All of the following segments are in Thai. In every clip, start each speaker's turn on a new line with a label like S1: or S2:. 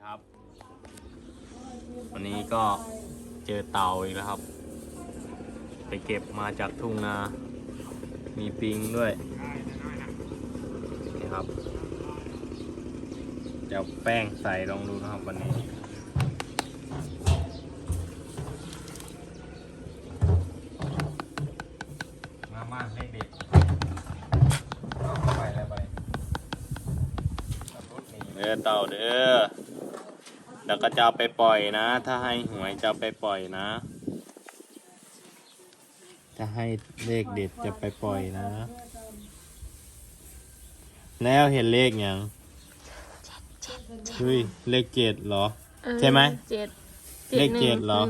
S1: ครับวันนี้ก็เจอเต่าอีกแล้วครับไปเก็บมาจากทุ่งนามีปิงด้วยนี่ครับจะเอาแป้งใส่ลองดูนะครับวันนี้มาให้เด็กไปแล้วไปเด้อเต่าเด้อเดี๋ยวก็จะเอาไปปล่อยนะถ้าให้หวยจะไปปล่อยนะจะให้เลขเด็ดจะไปปล่อยนะแล้วเห็นเลขยังเฮ้ยเลข7เหรอใช่ไหมเลข7เหรอ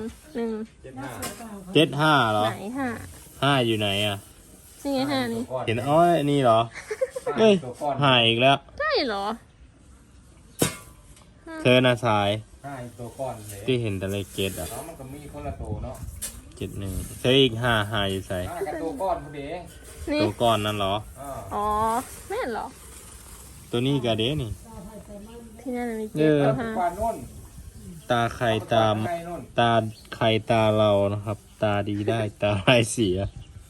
S1: 75เหรอ
S2: ไหน
S1: 5อยู่ไหนอ่ะ
S2: นี่ไง5นี่
S1: เห็นอ้อยนี่เหรอเฮ้ยหายอีกแล้ว
S2: ใช่เหรอ
S1: เธอน่ะสาย
S3: ตัวก้อนเลย
S1: ที่เห็นแต่เลข7อ่ะ
S3: มันก็มีคนละตัวเนาะ
S1: 71เธออีก5อยู่ใส่
S3: กับตัวก้อนพอดี
S1: ตัวก้อนนั่นเหรอ
S2: อ๋อแม่เหรอ
S1: ตัวนี้กะเด้นี่
S2: ที่นั่นมี7กับ5
S1: ตาใครตาใครตาเรานะครับตาดีได้ตาร้ายเสีย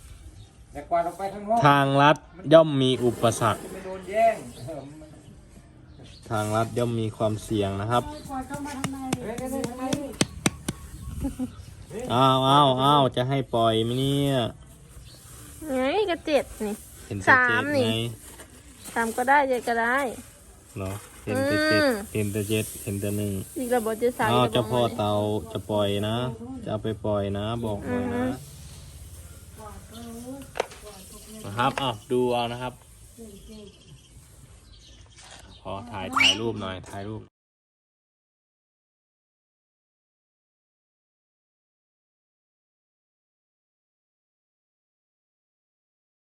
S1: ทางลัดย่อมมีอุปสรรคทางลัดย่อมมีความเสี่ยงนะครับอ้าวจะให้ปล่อยไหมเนี่ย
S2: ไงก็7นี่
S1: เห็นแต่7ไง
S2: 3ก็ได้7ก็ได้
S1: เหรอเห็นแต่7เห็นแต่7เห็นแต่1
S2: อีกระบบจะ3
S1: เจ้าพ่อเตาจะปล่อยนะจะเอาไปปล่อยนะบอกหน่อยนะครับดูเอานะครับพอถ่ายรูปหน่อยถ่ายรูป